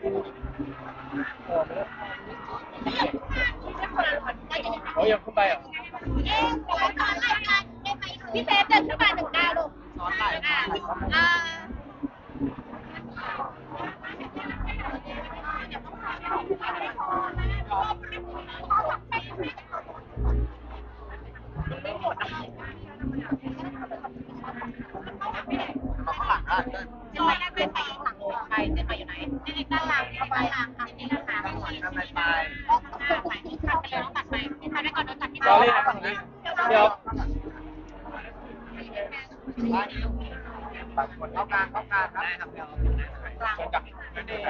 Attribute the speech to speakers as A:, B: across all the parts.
A: โอ้ยยังขึ้นไปอ่ะ
B: พี่เซฟเดินขึ้นมา1 ก้าวลูกอ่า
A: เอาข้างหลังได้
B: เจนไปได้เป็นไปหลังไปเจนไปอยู่ไหนเจนด้านหลังเข้าไปหลังค่ะนี่นะคะ
A: ข้างหลังข้างในไป
B: ตัดไปแล้วตัดไปตัดไปก่อนโดนตัดที่
A: รอเลยเดี๋ยวตัดคนเข้ากลางครับได้ครับเดี๋ยวชนกับเด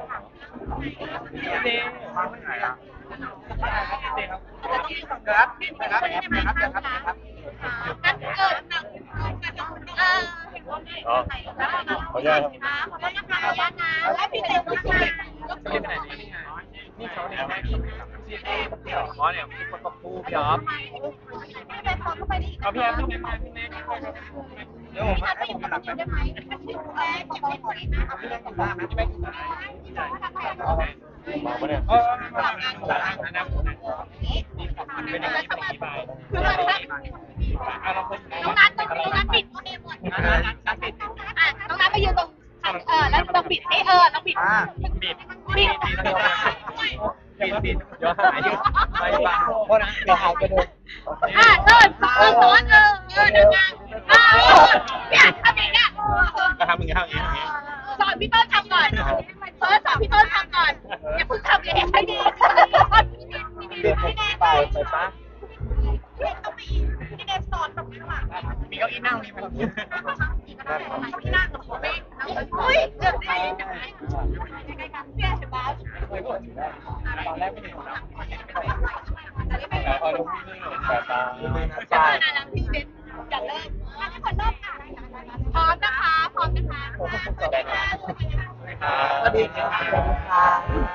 A: ย์มาที่ไหนอ่ะเดย์ครับครับครับ
B: กันเกิด
C: อ๋อขออนุญาตครับ
B: ขออนุญาตนะคะขออนุญาตนะและพี่เต็มขึ้นมา
A: เรียกไปไหนนี่เขาเนี่ยอ๋อเนี่ยประกบคู่พี่อ๊อฟ
B: พี่ไปพอเข้าไปดิ
A: เอาพี่แอฟขึ้นมาพี่แม็กเดี๋ยวผมให้ผมมาหลังนะ
B: ได้ไหมเก็บไว้ก่อนนะ
A: พี่แม็กขึ้นมาพี่แม็กขึ้นมา
C: มาปะเนี่ย
A: หลังนะเป็นอย่างนี้เป็นใบ
B: คือมันแบบ
A: เราเป็น
B: น้องนัทต้องปิดโอเคหมด
A: นัดปิด
B: น้องนัทไปยืนตรงแล้วต้องปิดต้องปิด
A: ปิด
B: ปิด
A: ปิดเดี๋ยวหายอยู่ไปบ้างเพราะนั้นเดี๋ยวหายไปเลย
B: เดินซ้อนเดินงานเนี่ยทำอย่างเงี้ย
A: ก็ทำอย่างนี้
B: สอนพี่ต้นทำก่อนสอนพี่ต้นทำก่อนอย่าเพิ่งทำเองให้ดี
A: เรียกผมไปปะ
B: พี่เดฟสอนแบบนี้ว่ะ
A: มีเก้าอี้นั่งนี่ไหม
B: พี่นั่งกับผมเองอุ้ยเกือบได้ใกล้ๆกันเสียใช่ปะ
A: ตอนแรกไม่เห็นนะ
C: แต่พอรู้แต่ตา
B: จะมานานแล้วพี่เดฟจะเริ่มให้คนเริ่มค่ะพร้อมนะคะพร้อมนะคะ
A: สวัสดีครับ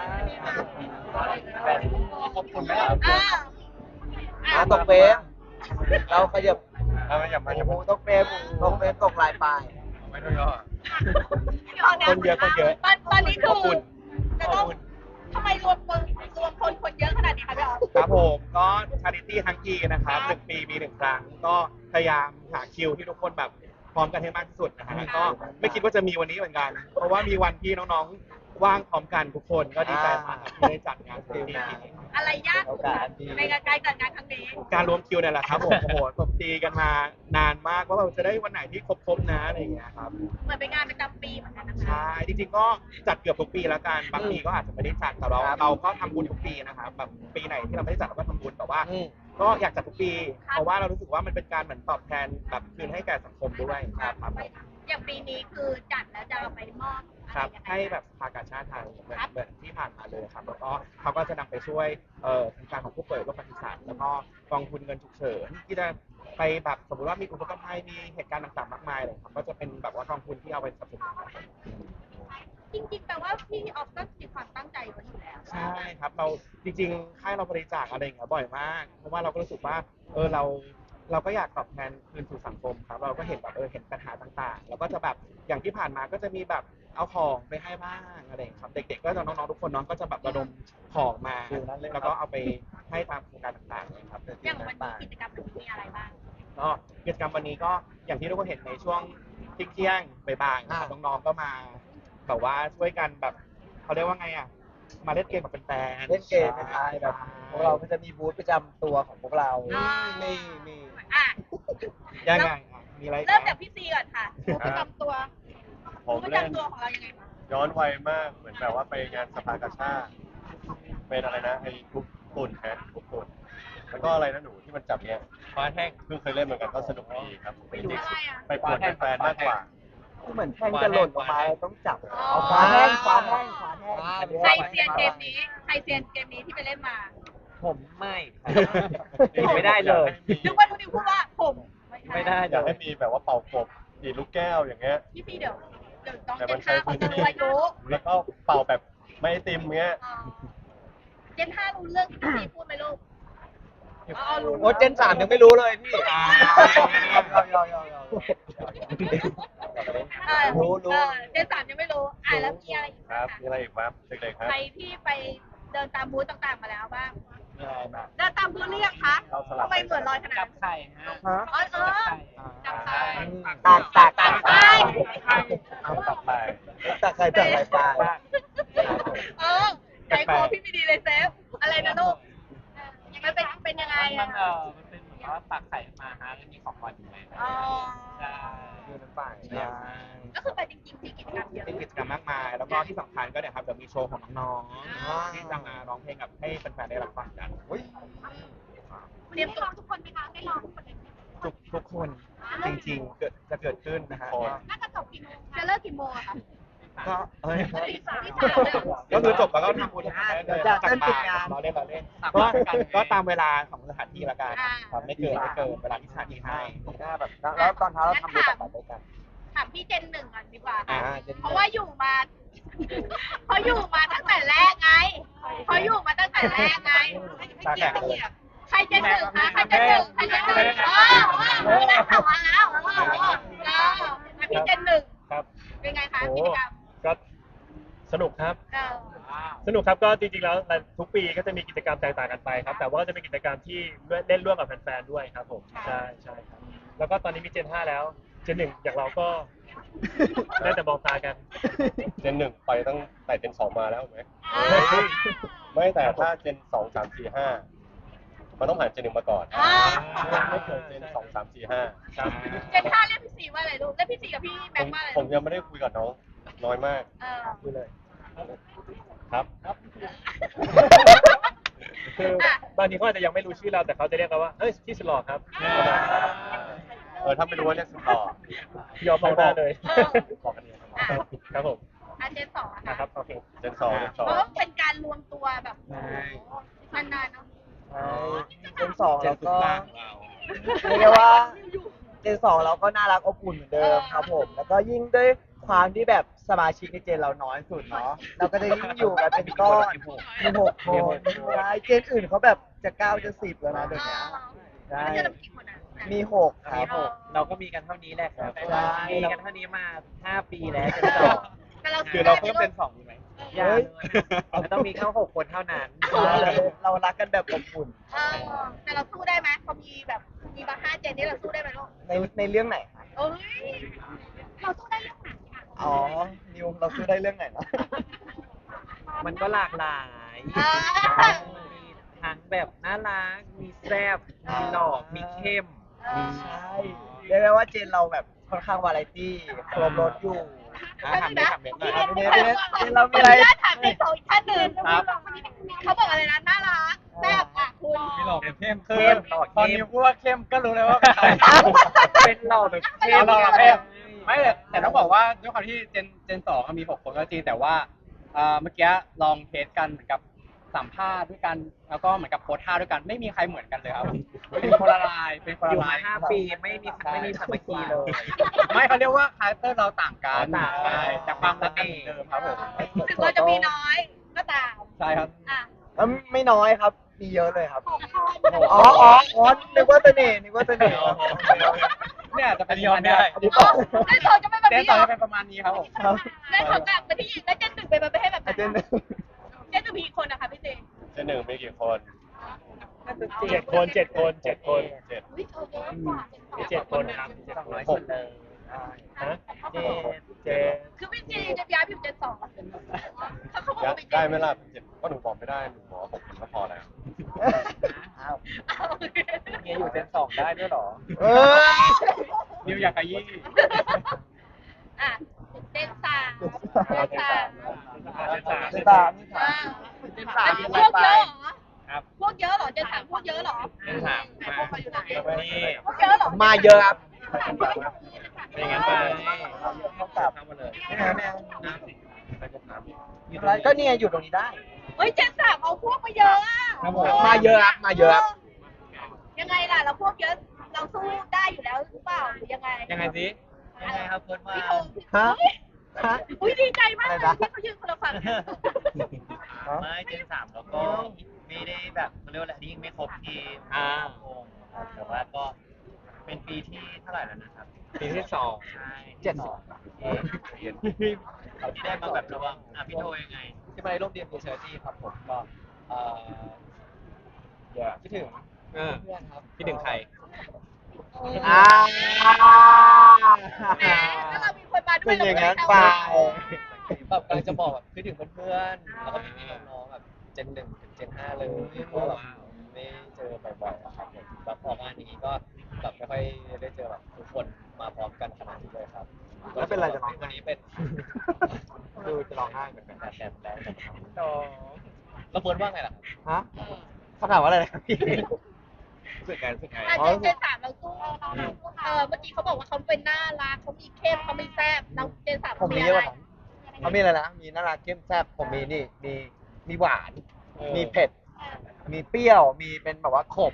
A: ขอบคุณนะครับ
D: ตกเฟรมเราขยับ
C: อย่ามา
D: ตกเฟรมตกลายปลาย
C: ไม่ต้องย่อ
A: คนเยอะ
B: ตอนนี้คือจะต้องทำไมรวมคนเยอะขนาดนี้คะพี่อ๋อ
A: ครับผมก็ชาริตี้ทั้งทีนะครับ1 ปีมี1 ครั้งก็พยายามหาคิวที่ทุกคนแบบพร้อมกันให้มากที่สุดนะฮะก็ไม่คิดว่าจะมีวันนี้เหมือนกัน เพราะว่ามีวันที่น้องๆว่างพร้อมกันทุกคนก็ดีใจมากที่ได้จัดงานที่นี่
B: อะไรยากในการจัดงานครั้งนี้
A: การรวมคิวเนี่ยแหละครับผมโอ้โหตบตีกันมานานมากว่าเราจะได้วันไหนที่ครบๆนะอะไรอย่างเงี้ยครับ
B: เหมือนเป็นงานประจำปีเหมือนกันนะคะ
A: ใช่จริงๆก็จัดเกือบทุกปีแล้วกันบางปีก็อาจจะไม่ได้จัดแต่เราก็ทำบุญทุกปีนะครับแบบปีไหนที่เราไม่ได้จัดเราก็ทำบุญแต่ว่า ก็อยากจัดทุกปี เพราะว่าเรารู้สึกว่ามันเป็นการเหมือนตอบแทนแบบคืนให้แก่สังคมด้วยครับ
B: อย่างปีนี้คือจัดแล้วจะเอาไปมอบ
A: ครับให้แบบสภากาชาติไทยเหมือนที่ผ่านมาเลยครับแล้วก็เขาก็จะนำไปช่วยโครงการของผู้ป่วยโรคประสาทแล้วก็กองทุนเงินฉุกเฉินที่จะไปแบบสมมติว่ามีอุบัติภัยมีเหตุการณ์ต่างๆมากมายเลยครับก็จะเป็นแบบว่ากองทุนที่เอาไปสนับสนุน
B: จริงๆแปลว่าพี่ออฟก็มีความตั้งใจไว้อยู่แล้ว
A: ใช่ครับเราจริงๆค่ายเราบริจาคอะไรอย่างเงี้ยบ่อยมากเพราะว่าเราก็รู้สึกว่าเราก็อยากตอบแทนคืนสู่สังคมครับเราก็เห็นแบบเห็นปัญหาต่างๆแล้วก็จะแบบอย่างที่ผ่านมาก็จะมีแบบเอาของไปให้บ้างอะไรอย่างเงี้ยครับเด็กๆก็จะน้องๆทุกคนน้องก็จะแบบระดมของมาแล้วก็เอาไปให้ตามโครงการต่างๆเลยครับ
B: อย่างวันนี้กิจกรรมมีอะไรบ้าง
A: ก็กิจกรรมวันนี้ก็อย่างที่ทุกคนเห็นในช่วงเที่ยงบ่ายๆนะครับน้องๆก็มาแบบว่าช่วยกันแบบเขาเรียกว่าไงอ่ะมาเล่นเกมกับแฟนๆ
D: เล่นเกมเป็นไงแบบพวกเราก็จะมีบูธประจำตัวของพวกเรานี่
B: อ่ะ
A: ยังไงอ่ะมีอะไร
B: เริ่มจากพี่ซีก่อนค่ะประจำตัว
C: ผม
B: ประ
C: เล่น
B: จำตัวของเรายังไงบ้าง
C: ย้อนวัยมากเหมือนแบบว่าไปงานสภากาชาติเป็นอะไรนะไอ้ทุบฝุ่นแทนทุบฝุ่นแล้วก็อะไรนะหนูที่มันจับเนี้ยฟ้าแห้งเพิ่งเคยเล่นเหมือนกันก็สนุกดีครับจริงๆไปป่วนแฟนๆมากกว่า
D: เหมือนแท่งจะหล่นลงมาต้องจับเอาขวาแห้ง
B: ใครเซียนเกมนี้ที่ไปเล่นมา
D: ผมไม่ไม่ได้เลย
B: นึกว่าทุกทีพูดว่าผม
D: ไม่ได้
C: อยากให้มีแบบว่าเป่ากบดีดลูกแก้วอย่างเงี้ย
B: พี่ซีเดี๋ยวน้องเจน5เขาจะรู้อายุ
C: แล้วก็เป่าแบบไม่ไอติมเงี้ย
B: เจน5รู้เรื่องที่พี่ซีพูดไหมลูกรู้
D: โอ้เจน3ยังไม่รู้เลยพี่รู้
B: เจน3ยังไม่รู้แล้วมีอะไรอีก
C: ครับมีอะไรอีกครับเด็กๆครับ
B: ใครที่ไปเดินตามบูธต่างๆมาแล้วบ้าง
D: มีอะไรบ้าง
B: เดินตามบูธหรือยังคะทำไมเหมือนลอยขนาด
E: จั
B: นั้
E: บ
B: น
E: ไข่ฮะ
D: ฮะ
B: จับไข่
D: ตากตาก
B: ตากไข่
C: เอากลับไป
D: ตากใครตากใครปลา
B: ใจคอพี่ไม่ดีเลยเซฟ อะไรนะลูกมันเป็นยังไง
E: มั
B: อ่ะ
E: มันเป็นเหมือนว่าตักไข่มาฮะแล้วมีของหวานอยู่ใน
B: อ๋อ
E: ใช่
A: คือน้ำป่า
B: ก็คือไปจริงๆที่กิจกรรมเยอะ
A: เป็นกิจกรรมมากมาย แล้วก็ที่สำคัญก็เนี่ยครับเดี๋ยวมีโชว์ของน้องๆที่จะมาร้องเพลงกับให้แฟนๆได้รับฟังกัน
B: เตรียมตัวทุกคนไหมคะได้ลองทุกคนเลย
A: ทุกคนจริงๆจะเกิดขึ้นนะฮะ
B: น่าจะจบกี่โมงจะเลิกกี่โมงอะคะ
A: ก็เอ้ย
B: ตีสาม
A: ก็คือจบแล้วก็ทำบุญทำอะไรเลยกลับบ้านเราเล่นก็ตามเวลาของสถานที่ละกันครับไม่เกินเวลาที่สถานที่ให้
D: หน้าแบบแล้วตอนเช้าเราทำบุญตักบาตรด้วยกัน
B: ถามพี่เจนหนึ่งก่อนดีกว่า
A: อ่า
B: ค่ะ
A: เจนหนึ่ง
B: เพราะว่าอยู่มาเพราะอยู่มาตั้งแต่แรกไงเพราะอยู่มาตั้งแต่แรกไง
A: ตาแข็งเลย
B: ใครเจนหนึ่งคะใครเจนหนึ่งใครเจนหนึ่งไม่ได้ข่าวมาแล้วพี่เจนหนึ่ง
F: ครับ
B: เป็นไงคะกิจกรรม
F: ก็สนุกครับ สนุกครับก็จริงๆแล้วทุกปีก็จะมีกิจกรรมแตกต่างกันไปครับ แต่ว่าก็จะเป็นกิจกรรมที่เล่นร่วมกับแฟนๆด้วยครับผมใช่ครับแล้วก็ตอนนี้มีเจน 5 แล้วเจน 1อย่างเราก็ได้แต่มองตากัน
C: เจน 1ไปตั้งแต่เจน 2มาแล้วไหมไม่แต่ถ้าเจน 2 3 4 5มันต้องผ่านเจน 1มาก่อนไม่เกิดเจน 2 3 4 5ครับ
B: เจนห้าเรียกพี่สี่ว่าอะไรลูกเรียกพี่สี่กับพี่แบงค์ว่าอะไร
C: ผมยังไม่ได้คุยกับน้องน้อยมาก
A: ดูเลย
C: ครับ
F: คือบางทีเขาอาจจะยังไม่รู้ชื่อเราแต่เขาจะเรียกเราว่าเฮ้ยพี่สุดหล่อครับ
C: ถ้าไม่รู้ว่าเรียกสุดต่อย
F: อมมองหน้าเลย
C: บอกกันเอง
F: ครับผม
B: เจนสองอะ
F: นะครั
B: ค่ะ
F: บโอเค
C: เจน 2
B: เพราะว่าเป็นการรวมตัวแบบนานๆเนาะ
D: เจนสองแล้วก็
A: ล่างของเรา
D: เรียกได้ว่าเจนสองเราก็น่ารักอบอุ่นเหมือนเดิมครับผม แล้วก็ยิ่งด้วยความที่แบบสมาชิกในเจนเราน้อยสุดเนาะเราก็จะยิ่งอยู่กันเป็นก้อนมี6 คนใช่เจนอื่นเขาแบบจะ9จะ10แล้วนะเดี๋ยวนี้ใช่
B: แล้วจะมีกี่คนอะ
D: มี6ครับผม
E: เราก็มีกันเท่านี้แหละครับ
D: ใช่
E: มีกันเท่านี้มา5 ปีแล้วจะต่อ
B: แต่เรา
A: คือเราเพิ่มเป็น2ดีไหม
E: อย่าเลยมันต้องมีแค่6 คนเท่านั้น
D: เรารักกันแบบอบอุ่น
B: แต่เราสู้ได้ไหมพอมีแบบมีมา5 เจนนี่เราสู้ได้ไหมลูก
D: ในเรื่องไหนคะ
B: เอ้ยเราสู้ได้เรื่องไหนอะ
D: อ๋อนิวเราซื้อได้เรื่องไหนนะ
E: มันก็หลากหลายมีทั้งแบบน่ารัก มีแซ่บ มีหล่อ มีเข้ม
D: ใช่เรียกได้ว่าเจนเราแบบค่อนข้างวาไรตี้ครบรถอยู่
A: ถามเบสหน่อย
D: เรามีอะไร
B: ถามในโซอีกท่านหนึ่งเขาบอกอะไรนะน่ารักแซ่บอ่ะคุณ
E: มีหล่อเป็นเข้ม
F: เข้มหล่อเข้ม
E: ตอนนิวพูดว่าเข้มก็รู้เลยว่าเป็นใครเป็นหล่อแบบเข้ม
B: หล่อแบบเข้ม
G: ไม่แต่ต้องบอกว่าด้วยความที่เจน 2มี6 คนก็จริงแต่ว่าเมื่อกี้ลองเทสกันเหมือนกับสัมภาษณ์ด้วยกันแล้วก็เหมือนกับโพสท่าด้วยกันไม่มีใครเหมือนกันเลยครับเป็นคนละลายเป็นคน
E: อ
G: ละ
E: ยู่
G: ลาม
E: าย5 ปีไม่มีสามัคคีเลย
G: ไม่เขาเรียกว่าคาแรคเตอร์เราต่างกัน
E: ต่างกัน
G: ใช่แต่ความรักกันเหมือนเดิมครับผม
B: ถึงเราจะมีน้อยก็ตาม
G: ใช่ครับ
B: อ่ะ
D: ไม่น้อยครับ มีเยอะเลยครับ
B: 6 คน
D: อ๋อนึกว่าเสน่ห์
G: เนี่ยจะเป็น
E: ยอมไม่ได้
D: อันนี้ต่อ
B: ได้โซจะเป็นแบบ
G: เจน
B: นี้
G: ส
B: เห
G: อ
B: รง อ
G: จะเป็นประมาณนี้ครับผม
B: ได้โซกลับไปที่หญิงแล้วเจนหนึ่งเป็นประเภทแบบไหน
D: อาจารย์
B: เจนหนึ่งมีกี่คนนะคะพี่เจน
C: เจน 1มีกี่คน
F: 7 คน 7 คน 7 คน
C: 7
B: อุ้ยเยอะกว่า
F: มี7 คนครับมี7 คน
E: 200 คนเลย
F: ฮะเจ
B: คือพี่เจนจะย้ายไปอยู่เจน2เขาบอกว่าเป็นเจน
C: ได้ไหมล่ะ7ก็หนูบอกไม่ได้หนูบอก6คนก็พอแล้ว
D: อ้าว
E: เมียอยู่เจน 2 ได้ด้วยเหรอ
D: เออ
G: นิวอยากขยี้
B: อ่ะเจน3เจน3
D: เจนสาม
B: เจน3พวกเยอะเหรอครับพวกเยอะเหรอเจน3พวกเยอะเหรอ
A: เจนสาม
B: พวกเขาอยู่ไหน
A: นี่
B: พวกเยอะเหรอ
D: มาเยอะครับ
A: เป็นงั้นไป
D: เท่ากับ
A: เข้ามาเลย
D: ไม่เอาไม่เอา
A: ไปจะถามอีก
D: อะไรก็เนี่ยอยู่ตรงนี้ได้
B: เฮ้ยเจน3เอาพวกมาเยอะอ่ะ
D: มาเยอะครับมาเยอะครับ
B: ยังไงล่ะเราพวกเยอะเราสู้ได้อยู่แล้วหรือเปล่าหรือยังไง
E: ยังไงสิ ยังไงครับเฟิร์สมา
B: พี่โท
D: ฮะฮะ
B: อุ้ยดีใจมาก
D: อะไร
B: เลย
D: นะ
B: ที่เขายืนคนละฝั่งเนี่ย
E: ไม่เจน 3 แล้วก็ไม่ได้แบบเขาเรียกว่าอะไรยิ่งไม่ครบทีมวงแต่ว่าก็เป็นปีที่เท่าไหร่แล้วนะครับปีที่สองใช่
D: 72
E: ที่ได้มาแบบระวังพี่โทยังไง
G: ที่มาในร่วมเรียนเชอร์จี้ครับผมก็เอ่อคิดถึงเพื่อนครับ
E: คิดถึงใคร
D: อ่า
B: แหมถ้าเรามีคนมาด้ว
D: เป็
B: ย
D: น
B: เรา
D: อย่าง
B: ไม่
D: นั้น
B: ได้
D: ไป
G: แบบกำลังจะบอกแบบคิดถึงเพื่อนๆแล้วก็พี่ๆน้องๆแบบเจน 1 ถึงเจน 5เลยเพราะว่าแบบไม่เจอบ่อยๆอะครับผมแล้วพองานนี้ก็แบบไม่ค่อยได้เจอแบบทุกคนมาพร้อมกันขนาดนี้เลยครับ
D: แล้วเป็นไรจะร้องไห้
G: วันนี้เป็น
D: ดูจะร้องไห้เหมือนกัน
G: แต่แล้วเฟิร์นว่าไงล่ะ
D: ฮะคำถามว่าอะไรนะพี่
A: รู้สึกไงรู้สึกไง
B: อ่ะเจนสามเราสู้เมื่อกี้เขาบอกว่าเขาเป็นน่ารักเขามีเข้มเขาไม่แซ่บเราเจนสาม
D: ผมมีเยอะกว่านั้นเขามีอะไรนะ มีน่ารักเข้มแซ่บผมมีนี่ มีหวาน มีเผ็ด มีเปรี้ยว มีเป็นแบบว่าขม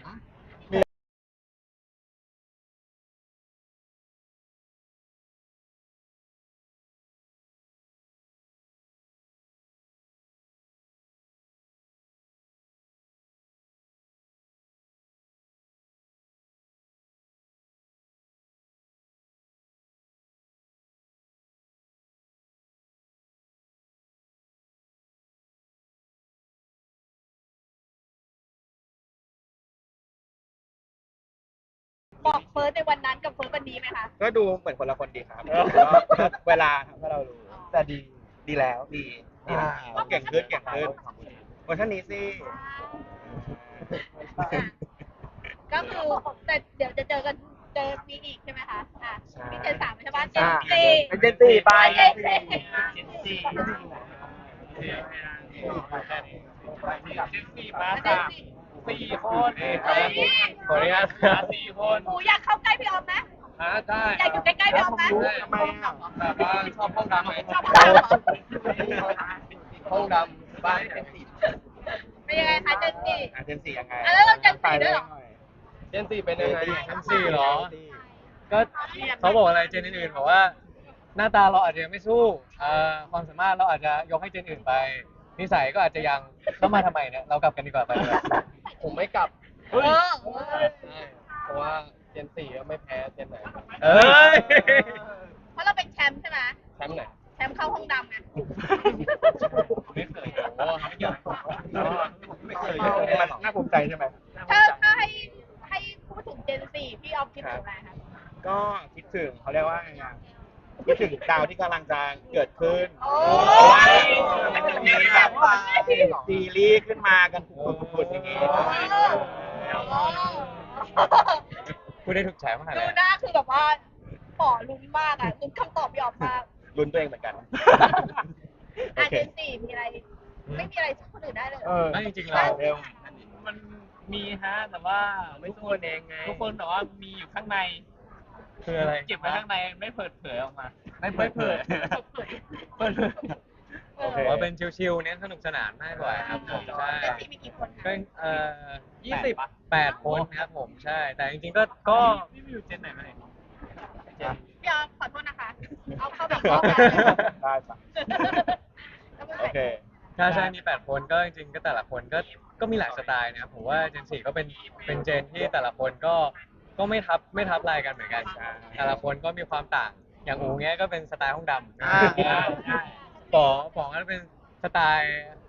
B: บอกเฟิร์สในวันนั้นกับเฟิร์สวันนี้ไหมคะ
A: ก็ดูเหมือนคนละคนดีครับก็เวลาทำให้เรารู้
D: แต่ดี
A: ดีแล้วดีแล้วเก่งขึ้นเวอร์ชันนี้สิ
B: ก็คือแต่เดี๋ยวจะเจอกันเจอมีอีกใช่ไหมคะมีเจนสามใช่ไหมเจน
D: อ่า
B: สี่
D: เป็นเจนสี่ไป
B: เจนสี่
G: มา
B: เจนสี่
G: 4 คน
B: เฮ้ย
G: ขออนุญาต4 คน
B: หนูอยากเข้าใกล้พี่ออมไหม
G: ได้
B: อยากอยู่ใกล้ๆพี่ออมไหม
A: ทำไมอ่ะ
G: แบบว่าชอบห้องดำไหม
B: ชอบห้องดำเหรอ
G: ห้องดำบ้านเป็นสี
B: เป็นยังไงคะเจนสี่
A: เจนสี่ยังไง
B: แล้วเราเจนสี่ด้วยเหรอ
G: เจน4เป็นยังไง
E: เจน4เหรอ ก็เขาบอกอะไรเจนอื่นๆบอกว่า หน้าตาเราอาจจะยังไม่สู้ความสามารถเราอาจจะยกให้เจนอื่นไป นิสัยก็อาจจะยังเข้ามาทำไมเนี่ยเรากลับกันดีกว่าไปเลย
G: ผมไม่กลับ
B: เออ
G: เพราะว่าเจน4ก็ไม่แพ้เจนไหน
E: เอ้ย
B: เพราะเราเป็นแชมป์ใช่ไหม
G: แชมป์ไหน
B: แชมป์เข้าห้องดำไง
G: ไม่เคยโอ้ไม่เกี่ยว
A: ไม่เคยมันน่าภูมิใจใช่ไหม
B: ถ้าให้พูดถึงเจนสี่พี่ออมคิดถึงอะไรคะ
A: ก็คิดถึงเขาเรียกว่าไงอ่ะคิดถึงดาวที่กำลังจะเกิดขึ้น
B: โอ้
A: มันจะมีแบบซีรีส์ขึ้นมากันผุดๆอย่างงี้
E: พูดได้ถูกใจมากเล
B: ดู
E: ย
B: หน้าคือแบบว่าป่อลุ้นมากอ่ะลุ้นคำตอบพี่ออมมาก
A: ลุ้นตัวเองเหมือนกัน โอเค
B: เจนสี่มีอะไร ไม่มีอะไรสู้คนอื่นได้เลย
E: ไม่จริงๆเรา
A: เร็ว
H: มันมีฮะแต่ว่าไม่ทุกคนเองไงทุกคนแต่ว่ามีอยู่ข้างใน
E: คืออะไร
H: เก็บไว้ข้างในไม่เปิดเผยออกมา
E: ไม่เปิดเผย
H: เปิดเผย
E: ผมว่าเป็นชิวๆเน้นสนุกสนานมากกว่าครับผมใช่
B: เจนสี่มีกี่คนคะ
E: เป็น28 คนครับผมใช่ แต่จริงๆก็
H: พี่มีอยู่เจนไหนมาไหน
B: พี่ออมขอโทษนะคะ เอาเข้าไปอีกรอบนะ
A: ได้ปะโอเค
E: ใช่ใช่มี8 คนก็จริงๆก็แต่ละคนก็มีหลายสไตล์นะครับผมว่าเจน4ก็เป็นเจนที่แต่ละคนก็ไม่ทับลายกันเหมือนกัน แต่ละคนก็มีความต่าง อย่างอูเงี้ยก็เป็นสไตล์ห้องดำป๋องก็เป็นสไตล์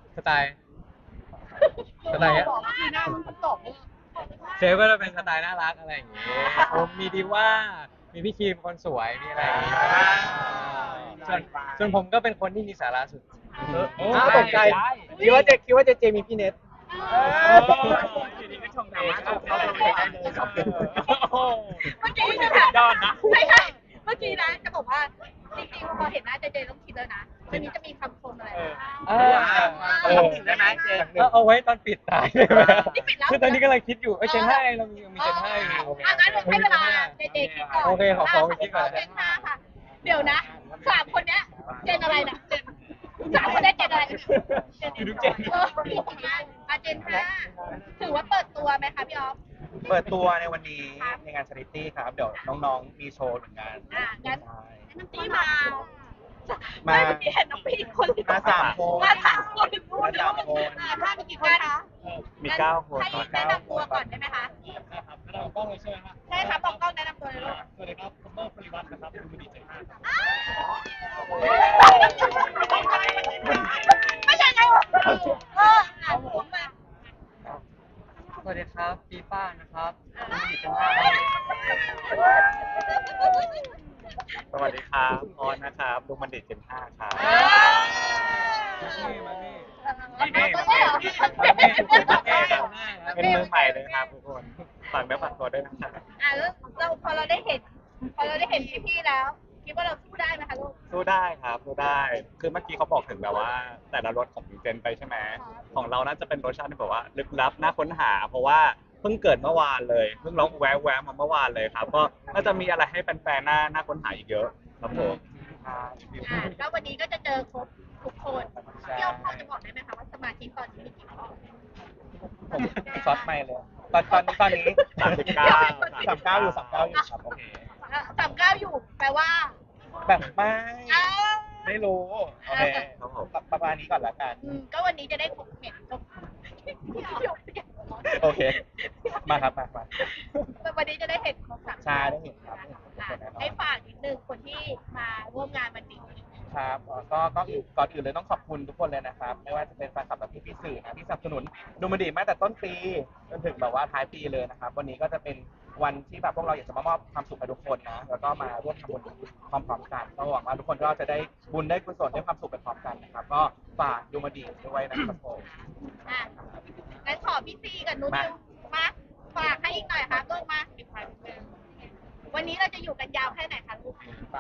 B: บอกว่าคือหน้ามันตก
E: เซฟก็จะเป็นสไตล์น่ารักอะไรอย่างงี้ผมมีดีว่ามีพี่ครีมคนสวยมีอะไรอย่างงี้ส่วนผมก็เป็นคนที่มีสาระสุด
D: อ้าวตกใจคิดว่าเจมีพี่เน็ต
H: อยู่ดีก็ชมเองเขาเป็นได้เลยครับ
B: เมื่อกี้จะแบบไม่ใช่เมื่อกี้นะจะบอกว่าจริงๆพอเห็นหน้าเจต้องคิดเลยนะวันนี้จะมีคำชมอะไร
H: ได้ไหมเจน
E: ก็เอาไว้ตอนปิดตายได้ไหม
B: นี่ปิดแล้ว
E: คือตอนนี้กำลังคิดอยู่เจน5เรามีเจน5อยู่
B: งั้นให้เวลาเจคิดก่อน
E: โอเคขอไปคิดก่อน
B: เจน5ค่ะ เดี๋ยวนะ3 คนเนี้ยเจนอะไรนะ3 คนเนี้ยเจนอะไรกันเนี่ยเจนเจน5ถือว่าเปิดตัวไหมคะพี่ออฟ
A: เปิดตัวในวันนี้ในงานชาริตี้ครับ เดี๋ยวน้องๆมีโชว์เหมือนกัน
B: งั้น
A: ใช่
B: ที่มาไม่เมื่อกี้เห็นน้องพี่คน
A: มา3 คน
B: มา3 คน
A: มา3 คน
B: ถ้ามีกี่คนคะ
E: มี9 คน
B: ให้แนะนำตัวก่อนได้ไหมคะ
H: เรากล้องเลยใช่ไหมครับ
B: ใช่ครับบอกกล้องแนะนำตัวเลยลูก
H: สวัสดีครับผมเบิร์ดปริวัติ
B: ไม่ใช่ไงวะผมมา
E: สวัสดีครับปีป้านะครับดิจิทัล
C: สวัสดีครับออนนะครับลุงบัณฑิตเจน5ครับ เป็นมือใหม่เลยครับทุกคนฝากเนื้อฝากตัวด้วยนะครับ
B: แล้วเราพอเราได้เห็นพี่ๆแล้ว คิดว่าเราสู้ได้ไหมคะลูก
C: สู้ได้ครับสู้ได้ คือเมื่อกี้เขาบอกถึงแบบว่า แต่ละรสของเจนไปใช่ไหมของเราน่าจะเป็นรสชาติที่แบบว่าลึกลับน่าค้นหา เพราะว่าเพิ่งเกิดเมื่อวานเลยเพิ่งร้องแวะมาเมื่อวานเลยครับ ก็น่าจะมีอะไรให้แฟนๆน่าค้นหาอีกเยอะครับผม
B: แล้ววันนี้ก็จะเจอครบทุกคนพี่อ๊อฟพอจะบอกได้ไหมคะว่าสมาชิกตอนนี้มีกี่คน
G: ผมช็อตไม่เลยตอนนี้
C: 39อยู่ครับโอเค
B: 39อยู่แปลว่า
G: แบบไม่
B: อ้าว
G: ไม่รู้โอเค
C: ครับผม
G: ประมาณนี้ก่อนละกัน
B: ก็วันนี้จะได้เห็นครบ
G: โอเค มาครับมา
B: วันนี้จะได้เห็นครบ3
G: ชาได้เห็นครับ
B: ให้ฝากนิดนึงคนที่มาร่วมงานวันนี้
G: ครับก็ก่อนอื่นเลยต้องขอบคุณทุกคนเลยนะครับ ไม่ว่าจะเป็นแฟนคลับและพี่ๆสื่อนะที่สนับสนุนดูมันดีมาแต่ต้นปีจนถึงแบบว่าท้ายปีเลยนะครับ วันนี้ก็จะเป็นวันที่แบบพวกเราอยากจะมามอบความสุขให้ทุกคนนะแล้วก็มาร่วมทำบุญพร้อมๆกันก็หวังว่าทุกคนก็จะได้บุญได้กุศลได้ความสุขไปพร้อมกันนะครับ ก็ฝากดูมันดีด้วยนะครับผม
B: งั้นขอพี่ซีกับนุ้ยมาฝากให้อีกหน่อยค่ะลูกมาวันนี้เราจะอยู่กันยาวแค่ไหนคะลูก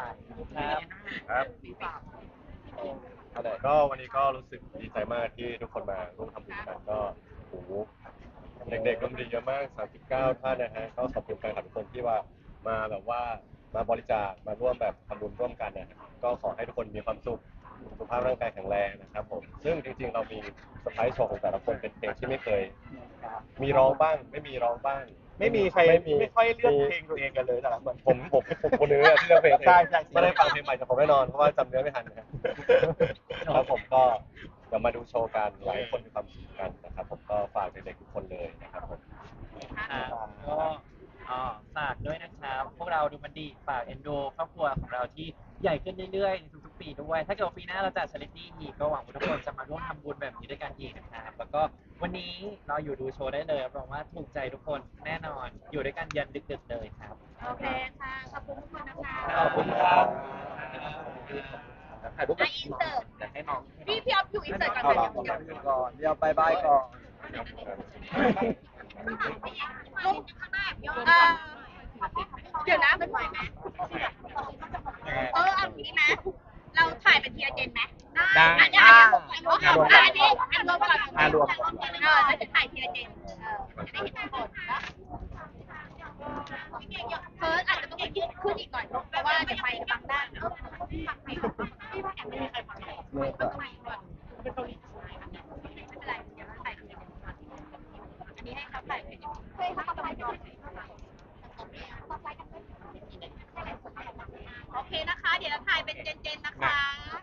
C: ครับก็วันนี้ก็รู้สึกดีใจมากที่ทุกคนมาร่วมทำบุญกันก็โอ้โหเด็กๆก็มีเยอะมาก39ท่านนะฮะก็ขอบคุณแฟนคลับทุกคนที่ว่ามาแบบว่ามาบริจาคมาร่วมแบบทำบุญร่วมกันนะก็ขอให้ทุกคนมีความสุขสุขภาพร่างกายแข็งแรงนะครับผมซึ่งจริงๆเรามีเซอร์ไพรส์โชว์ของแต่ละคนเป็นเพลงที่ไม่เคย มีร้องบ้างไม่มีร้องบ้าง
A: ไม่มีใครไม่ค่อยเลือกเพลงตัวเองกันเลยแต่ละคน
C: ผมคนนึงที่เลือกเพลง
A: ใช่
C: ไม่ได้ฟังเพลงใหม่จากผมแน่นอนเพราะว่าจำเนื้อไม่ทันนะครับแล้วผมก็เดี๋ยวมาดูโชว์กันอยากให้คนมีความสุขกันนะครับผมก็ฝากเด็กๆทุกคนเลยนะครับผม
H: ก็ฝากด้วยนะครับ พวกเราดูมันดีฝากเอ็นดูครอบครัวของเราที่ใหญ่ขึ้นเรื่อยๆในทุกๆปีด้วย ถ้าเกิดว่าปีหน้าเราจัดชาริตี้อีกก็หวังว่าทุกคนจะมาร่วมทำบุญแบบนี้ด้วยกันอีกนะครับแล้วก็วันนี้เราอยู่ดูโชว์ได้เลยรับรองว่าถูกใจทุกคนแน่นอนอยู่ด้วยกันยันดึกๆเลยครับ
B: โอเคค่ะ ขอบคุณทุกคนนะคะ
C: ขอบคุณครับ
A: ถ่ายรูป
B: อินเสิร์ต
A: อยากให้น้อง
B: พี่อ๊อฟอยู่อินเสิร์ตก่อน
D: เอา
B: ค่ะ
D: ละก่อนเดี๋ยวบายก่อน
B: เดี๋ยวนะมันไหวไหมเอางี้ไหมเราถ่ายเป็นทีละเจนไหมได้อันนี้รวมก่อนแล้วจะถ่ายทีละเจนจะได้เห็นทุกคนนะเฟิร์สอาจจะต้องยืดขึ้นอีกหน่อยเพราะว่าจะไปบางด้านพี่ว่าแอบไม่มีใครฟังเลยต้องไปก่อนเป็นเกาหลีไม่เป็นไรเดี๋ยวเราถ่ายทีละเจนอันนี้ให้เขาถ่ายให้เขาถ่ายก่อนโอเคนะคะ เดี๋ยวเราถ่ายเป็นเจนๆนะคะ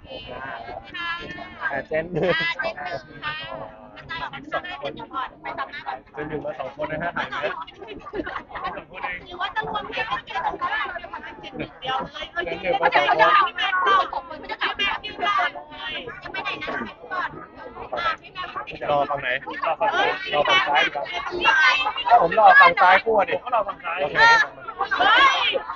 B: ค่ะ
C: เจนหนึ่ง
B: เจนหนึ่งค่ะกระจายออกมาข้างหน้าเจนหนึ่งก่อนไปซ้ำหน้าก่อน
C: เจนหนึ่งมา2 คนนะฮะถ่ายนะ
B: หรือว่าจะรวมเพลงให้เจนหนึ่งก็ได้เราจะมาเป็นเจนหนึ่งเดียวเลย
C: เจนหนึ่งมา
B: เดี๋ยว
C: 2 คน
B: จะถามพี่แม่ต่อของคนเขาจะถามพี่แม่พี่ก่อนเลยยังไม่ไหนนะให้ก่อนพี่แม่
C: รอฝั่งไหน
F: รอฝั่งซ้ายรอฝั่งซ้ายดีกว่า
C: ผมรอฝั่งซ้ายคู่ดิ
F: ผมก็รอฝั่งซ้าย
C: โอเค
B: เฮ้ย